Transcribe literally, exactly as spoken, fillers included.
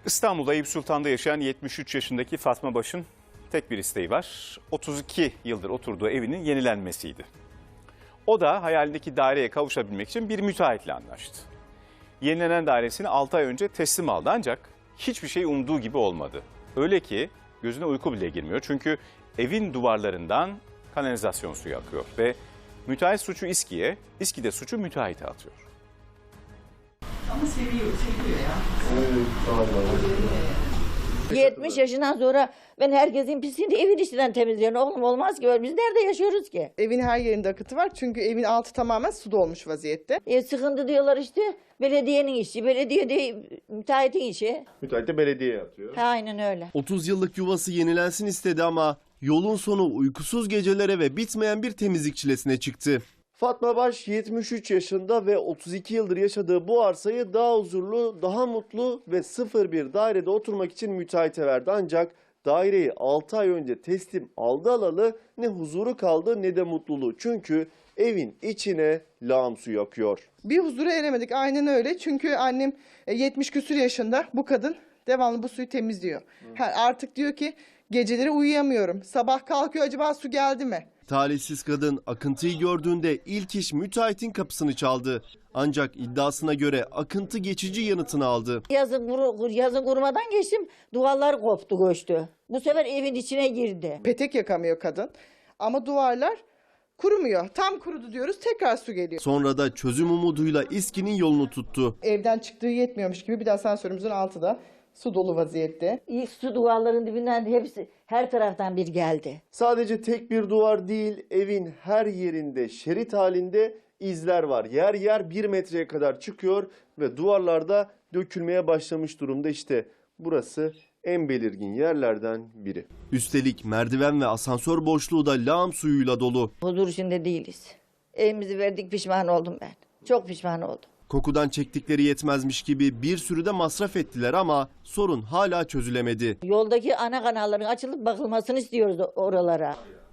İstanbul'da Eyüp Sultan'da yaşayan yetmiş üç yaşındaki Fatma Baş'ın tek bir isteği var. otuz iki yıldır oturduğu evinin yenilenmesiydi. O da hayalindeki daireye kavuşabilmek için bir müteahhitle anlaştı. Yenilenen dairesini altı ay önce teslim aldı ancak hiçbir şey umduğu gibi olmadı. Öyle ki gözüne uyku bile girmiyor çünkü evin duvarlarından kanalizasyon suyu akıyor ve müteahhit suçu İSKİ'ye, İSKİ de suçu müteahhite atıyor. Ama seviyor, seviyor ya. yetmiş yaşından sonra ben herkesin pisliğini evin içinden temizliyorum. Oğlum olmaz ki böyle. Biz nerede yaşıyoruz ki? Evin her yerinde akıtı var çünkü evin altı tamamen su dolmuş vaziyette. E, sıkıntı diyorlar işte. Belediyenin işi, belediye de müteahhitin işi. Müteahhit de belediyeye atıyor. Ha, aynen öyle. otuz yıllık yuvası yenilensin istedi ama yolun sonu uykusuz gecelere ve bitmeyen bir temizlik çilesine çıktı. Fatma Baş yetmiş üç yaşında ve otuz iki yıldır yaşadığı bu arsayı daha huzurlu, daha mutlu ve sıfır bir dairede oturmak için müteahhite verdi. Ancak daireyi altı ay önce teslim aldı alalı ne huzuru kaldı ne de mutluluğu. Çünkü evin içine lağım suyu akıyor. Bir huzura eremedik, aynen öyle. Çünkü annem e, yetmiş küsur yaşında, bu kadın devamlı bu suyu temizliyor. Ha, artık diyor ki geceleri uyuyamıyorum. Sabah kalkıyor, acaba su geldi mi? Talihsiz kadın akıntıyı gördüğünde ilk iş müteahhitin kapısını çaldı. Ancak iddiasına göre akıntı geçici yanıtını aldı. Yazın, kuru, yazın kurumadan geçtim. Duvarlar koptu, göçtü. Bu sefer evin içine girdi. Petek yakamıyor kadın. Ama duvarlar kurumuyor. Tam kurudu diyoruz, tekrar su geliyor. Sonra da çözüm umuduyla İSKİ'nin yolunu tuttu. Evden çıktığı yetmiyormuş gibi bir de asansörümüzün altı da su dolu vaziyette. İlk su duvarların dibinden hepsi her taraftan bir geldi. Sadece tek bir duvar değil, evin her yerinde şerit halinde izler var. Yer yer bir metreye kadar çıkıyor ve duvarlarda dökülmeye başlamış durumda. İşte burası en belirgin yerlerden biri. Üstelik merdiven ve asansör boşluğu da lağım suyuyla dolu. Huzur içinde değiliz. Evimizi verdik, pişman oldum ben. Çok pişman oldum. Kokudan çektikleri yetmezmiş gibi bir sürü de masraf ettiler ama sorun hala çözülemedi. Yoldaki ana kanalların açılıp bakılmasını istiyoruz oralara.